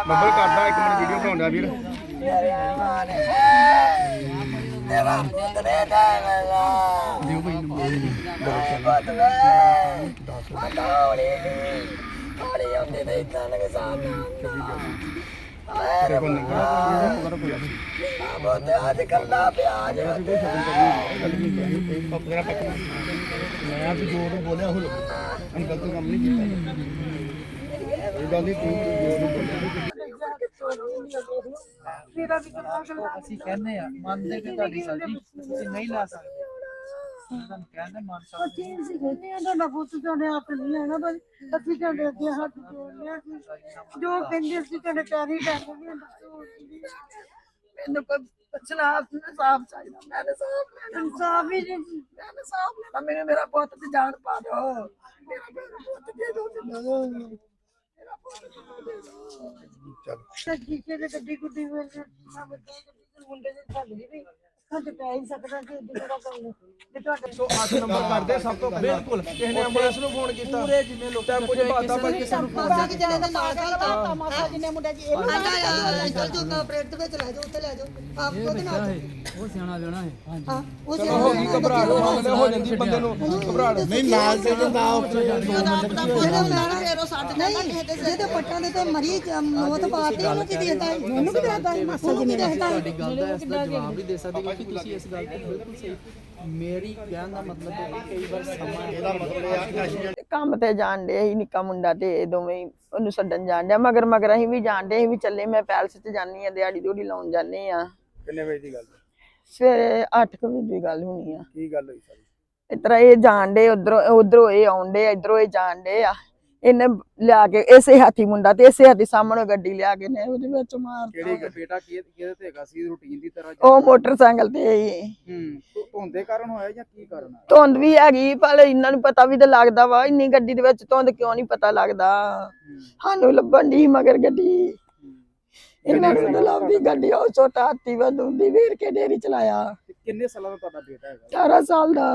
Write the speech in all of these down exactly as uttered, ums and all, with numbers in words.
ਬੱਬਲ ਕਰਦਾ ਇੱਕ minute video ਬਣਾਉਂਦਾ ਵੀਰ ਤੇਰਾ ਪੁੱਤਰੇ ਦਾ ਵੇਲਾ ਦਿਓ ਭਾਈ ਨੰਬਰ ਹੌਲੀ ਹੌਲੀ ਆਉਂਦੇ ਨੇ ਤਾਂ ਲਗੇ ਸਾਹਮਣੇ ਦੇਖੋ ਨੰਬਰ ਬਹੁਤ ਅੱਜ ਕੱਲਾ ਪਿਆ ਜੇ ਮੇਰਾ ਪੱਕ ਮੈਂ ਆਪ ਜੋਰ ਨੂੰ ਬੋਲਿਆ ਹੋ ਅੰਕਲ ਤੋਂ ਕੰਮ ਨਹੀਂ ਕੀਤਾ ਇਹ ਗੱਲ ਨਹੀਂ ਤੂੰ ਜੋਰ ਨੂੰ ਬੋਲਿਆ ਅਸੀਂ ਕਹਿੰਦੇ ਆ ਮੰਨਦੇ ਕਿ ਤੁਹਾਡੀ ਸਬਜ਼ੀ ਤੁਸੀਂ ਨਹੀਂ ਲਾ ਸਕਦੇ ਤੁਹਾਨੂੰ ਕਹਿੰਦੇ ਮੰਨ ਜੋ ਕਹਿੰਦੇ ਸੀ ਤੁਹਾਡੇ ਪੈਰੀ ਟੱਕਦੇ ਮੈਨੂੰ ਕੋਈ ਪੁੱਛਣਾ ਇਨਸਾਫ ਚਾਹੀਦਾ ਮੈਂ ਇਨਸਾਫ ਇਨਸਾਫ ਹੀ ਨਹੀਂ ਮੈਂ ਇਨਸਾਫ ਲੈਣਾ ਮੈਨੂੰ ਮੇਰਾ ਪੁੱਤ ਤੇ ਜਾਨ ਪਾ ਦਿਓ ਮੇਰਾ ਪੁੱਤ ਦੇ ਦਿਓ ਮੇਰਾ ਪੁੱਤ ਦੇ ਦਿਓ ਚੱਲ ਜੀਕੇ ਦੇ ਗੱਡੀ ਗੁੱਡੀ ਵਿੱਚ ਮੁੰਡੇ ਦੇ ਥੱਲੇ ਵੀ ਖੱਜ ਪੈ ਹੀ ਸਕਦਾ ਕਿ ਜਿਹੜਾ ਕੰਮ ਤੇ ਤੁਹਾਡੇ ਸੌ ਅੱਠ ਨੰਬਰ ਕਰਦੇ ਸਭ ਤੋਂ ਪਹਿਲਾਂ ਬਿਲਕੁਲ ਕਿਸੇ ਨੇ ਐਂਬੂਲੈਂਸ ਨੂੰ ਫੋਨ ਕੀਤਾ ਪੂਰੇ ਜਿੰਨੇ ਲੋਕ ਟੈਂਪੂ 'ਚ ਬਾਤਾਂ ਪਾ ਕਿਸੇ ਨੂੰ ਫੋਨ ਕਿ ਜਣੇ ਦਾ ਨਾਲ ਚੱਲਦਾ ਤਮਾਸ਼ਾ ਜਿੰਨੇ ਮੁੰਡੇ ਜੀ ਇਹ ਆਇਆ ਚੱਲ ਜੋ ਕਾਪਰੇਟ ਦੇ ਵਿੱਚ ਲੈ ਜਾਓ ਉੱਥੇ ਲੈ ਜਾਓ ਆਪ ਉਹਦੇ ਨਾਲ ਉਹ ਸਿਆਣਾ ਲੈਣਾ ਹੈ ਹਾਂ ਉਹ ਚਲੋ ਹੋ ਗਈ ਘਬਰਾਹਟ ਮਾਮਲੇ ਹੋ ਜਾਂਦੀ ਬੰਦੇ ਨੂੰ ਘਬਰਾਹਟ ਨਹੀਂ ਨਾਲ ਤੇ ਜਾਂਦਾ ਉੱਥੇ ਜਿਹਦੇ ਪੱਟਾਂ ਦੇ ਤੇ ਮਰੀ ਮੌਤ ਪਾਤੀ ਉਹਨੂੰ ਕੀ ਦੇਤਾ ਉਹਨੂੰ ਕੀ ਦੇਤਾ ਮਾਸਾ ਜੀ ਨੇ ਦੇਤਾ ਤੁਹਾਡੀ ਗੱਲ ਦਾ ਇਸ ਦਾ ਜਵਾਬ ਨਹੀਂ ਦੇ ਸਕਦੇ ਕਿ ਤੁਸੀਂ ਇਸ ਗੱਲ ਤੇ ਬਿਲਕੁਲ ਸਹੀ ਮੇਰੀ ਕਹਿਣ ਦਾ ਮਤਲਬ ਹੈ ਕਿ ਕਈ ਵਾਰ ਸਮਾਂ ਇਹਦਾ ਮਤਲਬ ਇਹ ਆ ਕਿ ਕੰਮ ਤੇ ਜਾਣ ਦੇ ਹੀ ਨਿੱਕਾ ਮੁੰਡਾ ਤੇ ਇਹ ਦੋਵੇਂ ਹੀ ਉਹਨੂੰ ਛੱਡਣ ਜਾਣ ਡਿਆ ਮਗਰ ਮਗਰ ਅਸੀਂ ਵੀ ਜਾਣ ਡੇ ਅਸੀਂ ਵੀ ਚੱਲੇ ਮੈਂ ਪੈਲਸ 'ਚ ਜਾਂਦੀ ਆ ਦਿਹਾੜੀ ਦਿਹੜੀ ਲਾਉਣ ਜਾਂਦੇ ਆ ਕਿੰਨੇ ਵਜੇ ਦੀ ਗੱਲ ਸਵੇਰੇ ਅੱਠ ਕੁ ਵਜੇ ਦੀ ਗੱਲ ਹੋਣੀ ਆ ਕੀ ਗੱਲ ਹੋਈ ਸਾਰੀ ਇਸ ਤਰ੍ਹਾਂ ਇਹ ਜਾਣ ਡੇ ਉਧਰੋਂ ਉਧਰੋਂ ਇਹ ਆਉਣ ਡੇ ਇਧਰੋਂ ਇਹ ਜਾਣ ਡੇ ਆ ਇਹਨੇ ਲਿਆ ਕੇ ਇਸੇ ਹਾਥੀ ਮੁੰਡਾ ਤੇ ਇਸੇ ਹਾਥੀ ਸਾਹਮਣੇ ਗੱਡੀ ਲਿਆ ਕੇ ਨੇ ਉਹਦੇ ਵਿੱਚ ਮਾਰ ਕਿਹੜੀ ਬੇਟਾ ਕੀ ਕਿਹਦੇ ਤੇ ਹੈਗਾ ਸੀ ਰੂਟੀਨ ਦੀ ਤਰ੍ਹਾਂ ਉਹ ਮੋਟਰਸਾਈਕਲ ਤੇ ਹੀ ਹੂੰ ਧੁੰਦੇ ਕਾਰਨ ਹੋਇਆ ਜਾਂ ਕੀ ਕਾਰਨ ਆ ਧੁੰਦ ਵੀ ਹੈਗੀ ਪਰ ਇਹਨਾਂ ਨੂੰ ਪਤਾ ਵੀ ਤਾਂ ਲੱਗਦਾ ਵਾ ਇੰਨੀ ਗੱਡੀ ਦੇ ਵਿੱਚ ਧੁੰਦ ਕਿਉਂ ਨਹੀਂ ਪਤਾ ਲੱਗਦਾ ਸਾਨੂੰ ਲੱਭਣ ਦੀ ਮਗਰ ਗੱਡੀ ਇਹਨਾਂ ਨੂੰ ਤਾਂ ਲੱਭਦੀ ਗੱਡੀ ਉਹ ਛੋਟਾ ਹਾਥੀ ਵਧੂੰਦੀ ਵੀਰ ਕੇ ਡੇਰੀ ਚਲਾਇਆ ਕਿੰਨੇ ਸਾਲਾਂ ਦਾ ਤੁਹਾਡਾ ਬੇਟਾ ਹੈਗਾ ਅਠਾਰਾਂ ਸਾਲ ਦਾ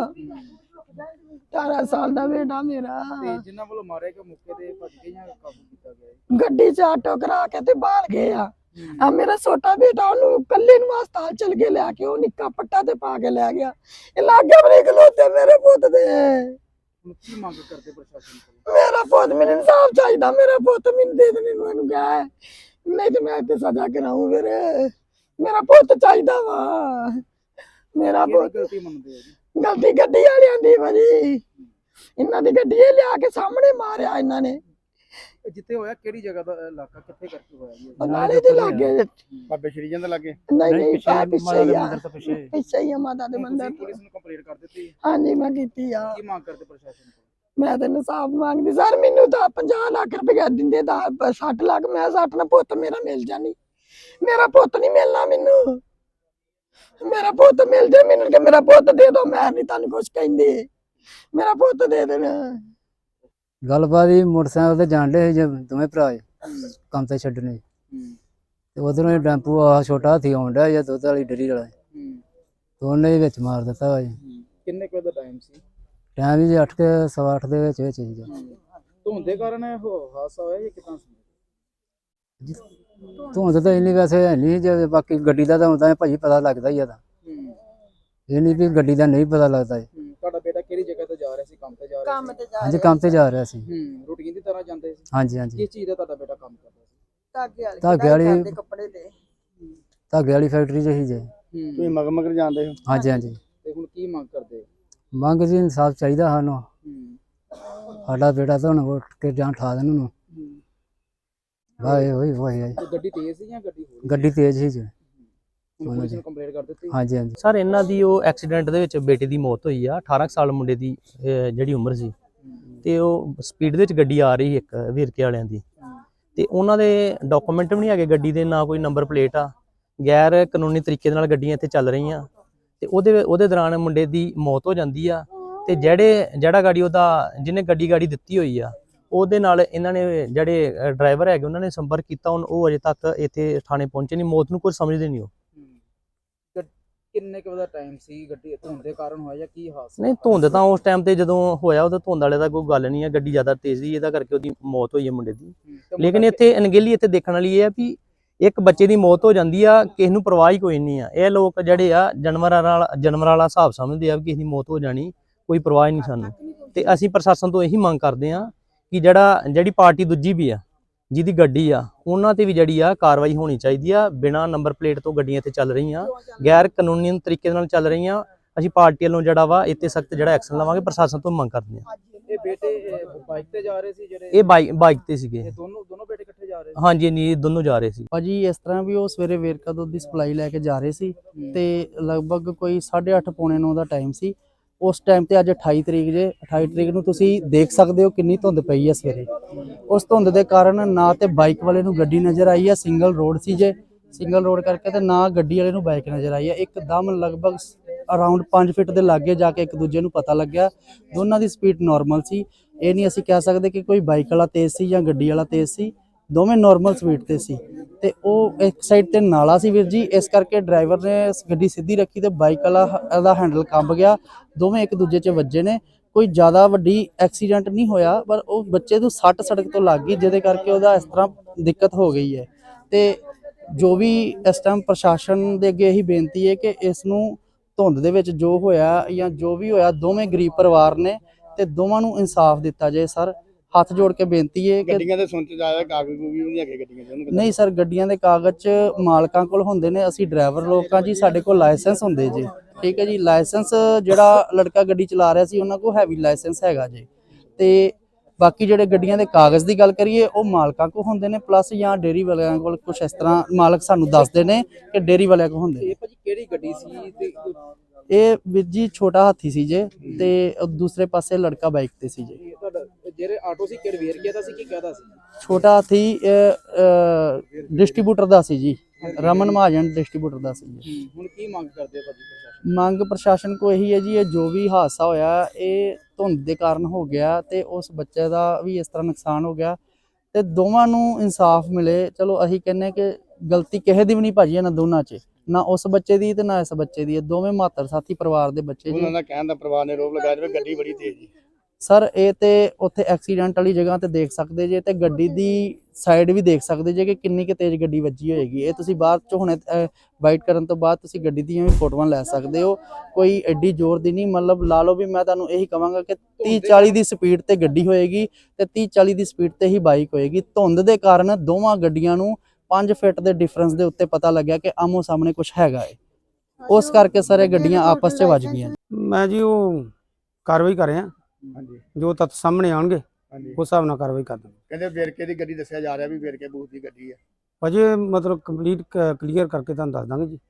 ਅਠਾਰਾਂ ਸਾਲ ਦਾ ਬੇਟਾ ਮੇਰਾ ਤੇ ਜਿਨ੍ਹਾਂ ਵੱਲੋਂ ਮਾਰੇ ਕੇ ਮੌਕੇ ਤੇ ਭੱਜ ਗਏ ਜਾਂ ਕਾਬੂ ਕੀਤਾ ਗਿਆ ਗੱਡੀ 'ਚ ਆਟੋ ਕਰਾ ਕੇ ਤੇ ਬਾਹਰ ਗਏ ਆ ਆ ਮੇਰਾ ਛੋਟਾ ਬੇਟਾ ਉਹਨੂੰ ਕੱਲੇ ਨੂੰ ਹਸਪਤਾਲ ਚਲ ਕੇ ਲਿਆ ਕੇ ਉਹ ਨਿੱਕਾ ਪੱਟਾ ਤੇ ਪਾ ਕੇ ਲੈ ਗਿਆ ਇਹ ਲਾਗੇ ਬਰੇ ਖਲੋਤੇ ਮੇਰੇ ਪੁੱਤ ਦੇ ਹੁਣ ਕੀ ਮੰਗ ਕਰਦੇ ਪ੍ਰਸ਼ਾਸਨ ਕੋਲ ਮੇਰਾ ਪੁੱਤ ਮੈਨੂੰ ਇਨਸਾਫ ਚਾਹੀਦਾ ਮੇਰਾ ਪੁੱਤ ਮੈਨੂੰ ਦੇ ਦੇ ਮੈਨੂੰ ਇਹਨੂੰ ਕਹਿ ਨਹੀਂ ਤੇ ਮੈਂ ਤੇ ਸਜ਼ਾ ਕਰਾਉਂ ਵੀਰੇ ਮੇਰਾ ਪੁੱਤ ਚਾਹੀਦਾ ਵਾ ਮੇਰਾ ਪੁੱਤ ਗਲਤੀ ਮੰਨਦੇ ਆ ਜੀ ਗਲਤੀ ਗੱਡੀ ਵਾਲਿਆਂ ਦੀ ਭਾਜੀ ਇਹਨਾਂ ਦੀ ਗੱਡੀ ਇਹ ਲਿਆ ਕੇ ਸਾਹਮਣੇ ਮਾਰਿਆ ਇਹਨਾਂ ਨੇ ਜਿੱਥੇ ਹੋਇਆ ਕਿਹੜੀ ਜਗ੍ਹਾ ਦਾ ਇਲਾਕਾ ਕਿੱਥੇ ਕਰਕੇ ਹੋਇਆ ਜੀ ਉਹ ਨਾਲੇ ਦੇ ਲਾਗੇ ਬਾਬੇ ਸ਼੍ਰੀ ਜੰਦ ਲੱਗੇ ਨਹੀਂ ਨਹੀਂ ਪਿੱਛੇ ਪਿੱਛੇ ਹੀ ਆ ਪਿੱਛੇ ਪਿੱਛੇ ਹੀ ਆ ਮਾਤਾ ਦੇ ਮੰਦਰ ਪੁਲਿਸ ਨੂੰ ਕੰਪਲੇਂਟ ਕਰ ਦਿੱਤੀ ਹਾਂਜੀ ਮੈਂ ਕੀਤੀ ਆ ਕੀ ਮੰਗ ਕਰਦੇ ਪ੍ਰਸ਼ਾਸਨ ਕੋਲ ਮੈਂ ਤਾਂ ਇਨਸਾਫ ਮੰਗਦੀ ਸਰ ਮੈਨੂੰ ਤਾਂ ਪੰਜਾਹ ਲੱਖ ਰੁਪਏ ਦਿੰਦੇ ਤਾਂ ਸੱਠ ਲੱਖ ਮੈਂ ਸੱਠ ਨਾਲ ਪੁੱਤ ਮੇਰਾ ਮਿਲ ਜਾਣੀ ਮੇਰਾ ਪੁੱਤ ਨਹੀਂ ਮਿਲਣਾ ਮੈਨੂੰ ਮੇਰਾ ਪੁੱਤ ਮਿਲ ਜੇ ਮੈਨੂੰ ਕਿ ਮੇਰਾ ਪੁੱਤ ਦੇ ਦੋ ਮੈਂ ਨਹੀਂ ਤੁਹਾਨੂੰ ਕੁਝ ਕਹਿੰਦੀ ਮੇਰਾ ਪੁੱਤ ਦੇ ਦੇਣਾ ਗੱਲਬਾਤ ਹੀ ਮੋਟਰਸਾਈਕਲ ਤੇ ਜਾਣ ਡੇ ਦੋਵੇਂ ਭਰਾ ਕੰਮ ਤੇ ਛੱਡਣੇ ਤੇ ਉਧਰੋਂ ਟੈਂਪੂ ਆ ਛੋਟਾ ਹਾਥੀ ਆਉਣ ਡਿਆ ਜਾਂ ਦੁੱਧ ਵਾਲੀ ਡੇਅਰੀ ਵਾਲਾ ਦੋਨੇ ਵਿੱਚ ਮਾਰ ਦਿੱਤਾ ਵਾ ਜੀ ਕਿੰਨੇ ਕੁ ਦਾ ਟਾਈਮ ਸੀ ਟਾਈਮ ਜੀ ਅੱਠ ਕੇ ਸਵਾ ਅੱਠ ਦੇ ਵਿੱਚ ਵਿੱਚ ਜੀ ਧੁੰਦੇ ਕਾਰਨ ਇਹ ਹਾਦਸਾ ਹੋਇਆ ਜਾਂ ਕਿਦਾਂ ਸੀ ਧੁੰਦ ਤਾਂ ਇੰਨੀ ਵੈਸੇ ਹੈ ਨਹੀਂ ਜੇ ਬਾਕੀ ਗੱਡੀ ਦਾ ਤਾਂ ਹੁੰਦਾ ਭਾਜੀ ਪਤਾ ਲੱਗਦਾ ਹੀ ਆ ਤਾਂ ਇਹ ਨਹੀਂ ਵੀ ਗੱਡੀ ਦਾ ਨਹੀਂ ਪਤਾ ਲੱਗਦਾ ਜੀ ਤੁਹਾਡਾ ਬੇਟਾ ਕਿਹੜੀ ਜਗ੍ਹਾ ਤੇ ਜਾ ਰਿਹਾ ਸੀ ਕੰਮ ਤੇ ਜਾ ਰਿਹਾ ਕੰਮ ਤੇ ਜਾ ਹਾਂਜੀ ਕੰਮ ਤੇ ਜਾ ਰਿਹਾ ਸੀ ਹੂੰ ਰੂਟੀਨ ਦੀ ਤਰ੍ਹਾਂ ਜਾਂਦੇ ਸੀ ਹਾਂਜੀ ਹਾਂਜੀ ਕਿਸ ਚੀਜ਼ ਦਾ ਤੁਹਾਡਾ ਬੇਟਾ ਕੰਮ ਕਰਦਾ ਸੀ ਧਾਗੇ ਵਾਲੀ ਧਾਗੇ ਵਾਲੀ ਕਰਦੇ ਕੱਪੜੇ ਤੇ ਧਾਗੇ ਵਾਲੀ ਫੈਕਟਰੀ 'ਚ ਹੀ ਜੇ ਹੂੰ ਤੁਸੀਂ ਮਗਰ ਮਗਰ ਜਾਂਦੇ ਹੋ ਹਾਂਜੀ ਹਾਂਜੀ ਤੇ ਹੁਣ ਕੀ ਮੰਗ ਕਰਦੇ ਮੰਗ ਜੀ ਇਨਸਾਫ ਚਾਹੀਦਾ ਸਾਨੂੰ ਹੂੰ ਸਾਡਾ ਬੇਟਾ ਤਾਂ ਹੁਣ ਉੱਠ ਕੇ ਜਾਂ ਠਾ ਦੇਣ ਉਹਨੂੰ ਵਾਏ ਹੋਈ ਹੋਈ ਹੈ ਗੱਡੀ ਤੇਜ਼ ਸੀ ਜਾਂ ਗੱਡੀ ਹੋਰ ਗੱਡੀ ਤੇਜ਼ ਸੀ ਜੀ ਪੁਲਿਸ ਨੂੰ ਕੰਪਲੇਂਟ ਕਰ ਦਿੱਤੀ ਹਾਂਜੀ ਹਾਂਜੀ ਸਰ ਇਹਨਾਂ ਦੀ ਉਹ ਐਕਸੀਡੈਂਟ ਦੇ ਵਿੱਚ ਬੇਟੇ ਦੀ ਮੌਤ ਹੋਈ ਆ ਅਠਾਰਾਂ ਸਾਲ ਮੁੰਡੇ ਦੀ ਅਹ ਜਿਹੜੀ ਉਮਰ ਸੀ ਤੇ ਉਹ ਸਪੀਡ ਦੇ ਵਿੱਚ ਗੱਡੀ ਆ ਰਹੀ ਇੱਕ ਵੀਰਕੇ ਵਾਲਿਆਂ ਦੀ ਤੇ ਉਹਨਾਂ ਦੇ ਡਾਕੂਮੈਂਟ ਵੀ ਨਹੀਂ ਹੈਗੇ ਗੱਡੀ ਦੇ ਨਾ ਕੋਈ ਨੰਬਰ ਪਲੇਟ ਆ ਗੈਰ ਕਾਨੂੰਨੀ ਤਰੀਕੇ ਦੇ ਨਾਲ ਗੱਡੀਆਂ ਇੱਥੇ ਚੱਲ ਰਹੀਆਂ ਤੇ ਉਹਦੇ ਉਹਦੇ ਦੌਰਾਨ ਮੁੰਡੇ ਦੀ ਮੌਤ ਹੋ ਜਾਂਦੀ ਆ ਤੇ ਜਿਹੜੇ ਜਿਹੜਾ ਗਾੜੀ ਉਹਦਾ ਜਿਹਨੇ ਗੱਡੀ ਗਾੜੀ ਦਿੱਤੀ ਹੋਈ ਆ ਉਹਦੇ ਨਾਲ ਇਹਨਾਂ ਨੇ ਜਿਹੜੇ ਡਰਾਈਵਰ ਹੈਗੇ ਉਹਨਾਂ ਨੇ ਸੰਪਰਕ ਕੀਤਾ ਉਹ ਅਜੇ ਤੱਕ ਇੱਥੇ ਥਾਣੇ ਪਹੁੰਚੇ ਨਹੀਂ ਮੌਤ ਨੂੰ ਕੁਝ ਸਮਝਦੇ ਨਹੀਂ ਉਹ ਕਿੰਨੇ ਕੁ ਦਾ ਟਾਈਮ ਸੀ, ਗੱਡੀ ਧੁੰਦ ਦੇ ਕਾਰਨ ਹੋਇਆ ਜਾਂ ਕੀ ਹਾਦਸਾ? ਨਹੀਂ ਧੁੰਦ ਤਾਂ ਉਸ ਟਾਈਮ ਤੇ ਜਦੋਂ ਹੋਇਆ ਉਹਦੇ ਧੁੰਦ ਵਾਲੇ ਦਾ ਕੋਈ ਗੱਲ ਨਹੀਂ ਹੈ, ਗੱਡੀ ਜ਼ਿਆਦਾ ਤੇਜ਼ ਸੀ ਇਹਦਾ ਕਰਕੇ ਉਹਦੀ ਮੌਤ ਹੋਈ ਹੈ ਮੁੰਡੇ ਦੀ। ਲੇਕਿਨ ਇੱਥੇ ਅਣਗਹਿਲੀ ਇੱਥੇ ਦੇਖਣ ਵਾਲੀ ਇਹ ਆ ਵੀ ਇੱਕ ਬੱਚੇ ਦੀ ਮੌਤ ਹੋ ਜਾਂਦੀ ਆ, ਕਿਸੇ ਨੂੰ ਪਰਵਾਹ ਹੀ ਕੋਈ ਨਹੀਂ ਆ। ਇਹ ਲੋਕ ਜਿਹੜੇ ਆ ਜਾਨਵਰਾਂ ਨਾਲ ਜਾਨਵਰਾਂ ਵਾਲਾ ਹਿਸਾਬ ਸਮਝਦੇ ਆ ਵੀ ਕਿਸੇ ਦੀ ਮੌਤ ਹੋ ਜਾਣੀ, ਕੋਈ ਪਰਵਾਹ ਹੀ ਨਹੀਂ ਸਾਨੂੰ। ਤੇ ਅਸੀਂ ਪ੍ਰਸ਼ਾਸਨ ਤੋਂ ਇਹੀ ਮੰਗ ਕਰਦੇ ਆ ਕਿ ਜਿਹੜਾ ਜਿਹੜੀ ਪਾਰਟੀ ਦੂਜੀ ਵੀ ਆ ਜਿਹਦੀ ਗੱਡੀ ਆ ਉਹਨਾਂ ਤੇ ਵੀ ਜਿਹੜੀ ਆ ਕਾਰਵਾਈ ਹੋਣੀ ਚਾਹੀਦੀ ਆ। ਬਿਨਾਂ ਨੰਬਰ ਪਲੇਟ ਤੋਂ ਗੱਡੀਆਂ ਇੱਥੇ ਚੱਲ ਰਹੀਆਂ, ਗੈਰ ਕਾਨੂੰਨੀ ਤਰੀਕੇ ਨਾਲ ਚੱਲ ਰਹੀਆਂ। ਅਸੀਂ ਪਾਰਟੀ ਵੱਲੋਂ ਜਿਹੜਾ ਵਾ ਇੱਥੇ ਸਖਤ ਜਿਹੜਾ ਐਕਸ਼ਨ ਲਵਾਂਗੇ, ਪ੍ਰਸ਼ਾਸਨ ਤੋਂ ਮੰਗ ਕਰਦੇ ਆ। ਇਹ ਬੇਟੇ ਬਾਈਕ ਤੇ ਜਾ ਰਹੇ ਸੀ ਜਿਹੜੇ? ਇਹ ਬਾਈਕ ਬਾਈਕ ਤੇ ਸੀਗੇ। ਇਹ ਦੋਨੋਂ ਦੋਨੋਂ ਬੇਟੇ ਇਕੱਠੇ ਜਾ ਰਹੇ ਸੀ? ਹਾਂਜੀ ਨਹੀਂ ਦੋਨੋਂ ਜਾ ਰਹੇ ਸੀ ਭਾਜੀ। ਇਸ ਤਰ੍ਹਾਂ ਵੀ ਉਹ ਸਵੇਰੇ ਵੇਰਕਾ ਦੁੱਧ ਦੀ ਸਪਲਾਈ ਲੈ ਕੇ ਜਾ ਰਹੇ ਸੀ ਤੇ ਲਗਭਗ ਕੋਈ ਸਾਢੇ ਅੱਠ ਪੌਣੇ ਨੌ ਦਾ ਟਾਈਮ ਸੀ ਉਸ ਟਾਈਮ ਤੇ। ਅੱਜ ਅਠਾਈ ਤਰੀਕ ਜੇ, ਅਠਾਈ ਤਰੀਕ ਨੂੰ ਤੁਸੀਂ ਦੇਖ ਸਕਦੇ ਹੋ ਕਿੰਨੀ ਧੁੰਦ ਪਈ ਹੈ ਸਵੇਰੇ। ਉਸ ਧੁੰਦ ਦੇ ਕਾਰਨ ਨਾ ਤੇ ਬਾਈਕ ਵਾਲੇ ਨੂੰ ਗੱਡੀ ਨਜ਼ਰ ਆਈ ਹੈ, ਸਿੰਗਲ ਰੋਡ ਸੀ ਜੇ, ਸਿੰਗਲ ਰੋਡ ਕਰਕੇ, ਤੇ ਨਾ ਗੱਡੀ ਵਾਲੇ ਨੂੰ ਬਾਈਕ ਨਜ਼ਰ ਆਈ ਹੈ। ਇੱਕਦਮ ਲਗਭਗ ਅਰਾਊਂਡ ਪੰਜ ਫੁੱਟ ਦੇ ਲਾਗੇ ਜਾ ਕੇ ਇੱਕ ਦੂਜੇ ਨੂੰ ਪਤਾ ਲੱਗਿਆ। ਦੋਨਾਂ ਦੀ ਸਪੀਡ ਨਾਰਮਲ ਸੀ। ਇਹ ਨਹੀਂ ਅਸੀਂ ਕਹਿ ਸਕਦੇ ਕਿ ਕੋਈ ਬਾਈਕ ਵਾਲਾ ਤੇਜ਼ ਸੀ ਜਾਂ ਗੱਡੀ ਵਾਲਾ ਤੇਜ਼ ਸੀ, ਦੋਵੇਂ ਨਾਰਮਲ ਸਪੀਡ ਤੇ ਸੀ। ਤੇ ਉਹ ਇੱਕ ਸਾਈਡ ਤੇ ਨਾਲਾ ਸੀ ਵੀਰ ਜੀ, ਇਸ ਕਰਕੇ ਡਰਾਈਵਰ ਨੇ ਗੱਡੀ ਸਿੱਧੀ ਰੱਖੀ ਤੇ ਬਾਈਕ ਵਾਲਾ ਦਾ ਹੈਂਡਲ ਕੰਬ ਗਿਆ। ਦੋਵੇਂ ਇੱਕ ਦੂਜੇ 'ਚ ਵੱਜੇ ਨੇ। ਕੋਈ ਜ਼ਿਆਦਾ ਵੱਡੀ ਐਕਸੀਡੈਂਟ ਨਹੀਂ ਹੋਇਆ, ਪਰ ਉਹ ਬੱਚੇ ਨੂੰ ਸੱਟ ਸੜਕ ਤੋਂ ਲੱਗ ਗਈ, ਜਿਹਦੇ ਕਰਕੇ ਉਹਦਾ ਇਸ ਤਰ੍ਹਾਂ ਦਿੱਕਤ ਹੋ ਗਈ ਹੈ। ਤੇ ਜੋ ਵੀ ਇਸ ਟਾਈਮ ਪ੍ਰਸ਼ਾਸਨ ਦੇ ਅੱਗੇ ਇਹੀ ਬੇਨਤੀ ਹੈ ਕਿ ਇਸ ਨੂੰ ਧੁੰਦ ਦੇ ਵਿੱਚ ਜੋ ਹੋਇਆ ਜਾਂ ਜੋ ਵੀ ਹੋਇਆ, ਦੋਵੇਂ ਗਰੀਬ ਪਰਿਵਾਰ ਨੇ ਤੇ ਦੋਵਾਂ ਨੂੰ ਇਨਸਾਫ ਦਿੱਤਾ ਜਾਏ। ਸਰ ਹੱਥ ਜੋੜ ਕੇ ਬੇਨਤੀ ਹੈ ਕਿ ਗੱਡੀਆਂ ਦੇ ਸੁਣ ਚ ਜਾਇਆ ਕਾਗਜ਼ ਵੀ ਨਹੀਂ ਹੈਗੇ ਗੱਡੀਆਂ ਦੇ। ਨਹੀਂ ਸਰ, ਗੱਡੀਆਂ ਦੇ ਕਾਗਜ਼ ਮਾਲਕਾਂ ਕੋਲ ਹੁੰਦੇ ਨੇ, ਅਸੀਂ ਡਰਾਈਵਰ ਲੋਕਾਂ ਜੀ, ਸਾਡੇ ਕੋਲ ਲਾਇਸੈਂਸ ਹੁੰਦੇ ਜੀ। ਠੀਕ ਹੈ ਜੀ, ਲਾਇਸੈਂਸ ਜਿਹੜਾ ਲੜਕਾ ਗੱਡੀ ਚਲਾ ਰਿਹਾ ਸੀ ਉਹਨਾਂ ਕੋਲ ਹੈਵੀ ਲਾਇਸੈਂਸ ਹੈਗਾ ਜੀ। ਤੇ ਬਾਕੀ ਜਿਹੜੇ ਗੱਡੀਆਂ ਦੇ ਕਾਗਜ਼ ਦੀ ਗੱਲ ਕਰੀਏ ਉਹ ਮਾਲਕਾਂ ਕੋਲ ਹੁੰਦੇ ਨੇ, ਪਲੱਸ ਜਾਂ ਡੇਅਰੀ ਵਾਲਿਆਂ ਕੋਲ ਕੁਝ ਇਸ ਤਰ੍ਹਾਂ ਮਾਲਕ ਸਾਨੂੰ ਦੱਸਦੇ ਨੇ ਕਿ ਡੇਅਰੀ ਵਾਲਿਆਂ ਕੋਲ ਹੁੰਦੇ ਨੇ। ਇਹ ਭਾਜੀ ਕਿਹੜੀ ਗੱਡੀ ਸੀ ਤੇ ਇਹ ਵੀਰ ਜੀ ਛੋਟਾ ਹਾਥੀ ਸੀ ਜੇ, ਤੇ ਦੂਸਰੇ ਪਾਸੇ ਲੜਕਾ ਬਾਈਕ ਤੇ ਸੀ ਜੇ। ਇਹ ਤੁਹਾਡਾ ਜਿਹੜੇ ਆਟੋ ਸੀ ਕਿਹੜੇ ਵੇਰਕੇ ਦਾ ਸੀ ਕਿ ਕਿਹਦਾ ਸੀ? ਛੋਟਾ ਹਾਥੀ ਡਿਸਟ੍ਰੀਬਿਊਟਰ ਦਾ ਸੀ ਜੀ, ਰਮਨ ਮਹਾਜਨ ਡਿਸਟ੍ਰੀਬਿਊਟਰ ਦਾ ਸੀ ਜੀ। ਹੁਣ ਕੀ ਮੰਗ ਕਰਦੇ ਹੋ ਭਾਜੀ ਪ੍ਰਸ਼ਾਸਨ? ਮੰਗ ਪ੍ਰਸ਼ਾਸਨ ਕੋ ਇਹੀ ਹੈ ਜੀ, ਇਹ ਜੋ ਵੀ ਹਾਦਸਾ ਹੋਇਆ ਇਹ ਧੁੰਦ ਦੇ ਕਾਰਨ ਹੋ ਗਿਆ ਤੇ ਉਸ ਬੱਚੇ ਦਾ ਵੀ ਇਸ ਤਰ੍ਹਾਂ ਨੁਕਸਾਨ ਹੋ ਗਿਆ ਤੇ ਦੋਵਾਂ ਨੂੰ ਇਨਸਾਫ ਮਿਲੇ। ਚਲੋ ਅਸੀਂ ਕਹਿੰਨੇ ਕਿ ਗਲਤੀ ਕਿਸੇ ਦੀ ਵੀ ਨਹੀਂ ਭਾਜੀ ਇਹਨਾਂ ਦੋਨਾਂ 'ਚ, ਨਾ ਉਸ ਬੱਚੇ ਦੀ ਤੇ ਨਾ ਇਸ ਬੱਚੇ ਦੀ। ਇਹ ਦੋਵੇਂ ਮਾਤਰ ਸਾਥੀ ਪਰਿਵਾਰ ਦੇ ਬੱਚੇ ਜੀ। ਉਹਨਾਂ ਦਾ ਕਹਿਣ ਦਾ ਪਰਿਵਾਰ ਨੇ ਰੋਪ ਲਗਾਇਆ ਜਿਵੇਂ ਗੱਡੀ ਬੜੀ ਤੇਜ਼ ਸੀ। ਸਰ ਇਹ ਤੇ ਉੱਥੇ ਐਕਸੀਡੈਂਟ ਵਾਲੀ ਜਗ੍ਹਾ ਤੇ ਦੇਖ ਸਕਦੇ ਜੇ, ਤੇ ਗੱਡੀ ਦੀ ਸਾਈਡ ਵੀ ਦੇਖ ਸਕਦੇ ਜੇ ਕਿ ਕਿੰਨੀ ਕੁ ਤੇਜ਼ ਗੱਡੀ ਵੱਜੀ ਹੋਏਗੀ। ਇਹ ਤੁਸੀਂ ਬਾਅਦ ਚ ਹੁਣੇ ਵਾਈਟ ਕਰਨ ਤੋਂ ਬਾਅਦ ਤੁਸੀਂ ਗੱਡੀ ਦੀਆਂ ਵੀ ਫੋਟੋਆਂ ਲੈ ਸਕਦੇ ਹੋ। ਕੋਈ ਐਡੀ ਜ਼ੋਰ ਦੀ ਨਹੀਂ, ਮਤਲਬ ਲਾ ਲਓ ਵੀ ਮੈਂ ਤੁਹਾਨੂੰ ਇਹੀ ਕਹਾਂਗਾ ਕਿ ਤੀਹ ਚਾਲੀ ਦੀ ਸਪੀਡ ਤੇ ਗੱਡੀ ਹੋਏਗੀ ਤੇ ਤੀਹ ਚਾਲੀ ਦੀ ਸਪੀਡ ਤੇ ਹੀ ਬਾਈਕ ਹੋਏਗੀ। ਧੁੰਦ ਦੇ ਕਾਰਨ ਦੋਵਾਂ ਗੱਡੀਆਂ ਨੂੰ ਪੰਜ ਫੁੱਟ ਦੇ ਡਿਫਰੈਂਸ ਦੇ ਉੱਤੇ ਪਤਾ ਲੱਗਿਆ ਕਿ ਆਮੋ ਸਾਹਮਣੇ ਕੁਝ ਹੈਗਾ ਏ, ਉਸ ਕਰਕੇ ਸਾਰੇ ਗੱਡੀਆਂ ਆਪਸ 'ਚ ਵੱਜ ਗਈਆਂ। ਮੈਂ ਜੀ ਉਹ ਕਾਰਵਾਈ ਕਰ ਰਿਹਾ, ਹਾਂਜੀ ਜੋ ਤੱਥ ਸਾਹਮਣੇ ਆਉਣਗੇ ਹਾਂਜੀ। ਉਸ ਹਿਸਾਬ ਨਾਲ ਕਾਰਵਾਈ ਕਰ ਦਾਂਗੇ। ਕਹਿੰਦੇ ਵੇਰਕੇ ਦੀ ਗੱਡੀ ਦੱਸਿਆ ਜਾ ਰਿਹਾ ਵੀ ਵੇਰਕੇ ਬੂਥ ਦੀ ਗੱਡੀ ਹੈ। ਅਜੇ ਮਤਲਬ ਕੰਪਲੀਟ ਕਲੀਅਰ ਕਰਕੇ ਤੁਹਾਨੂੰ ਦੱਸ ਦਾਂਗੇ ਜੀ।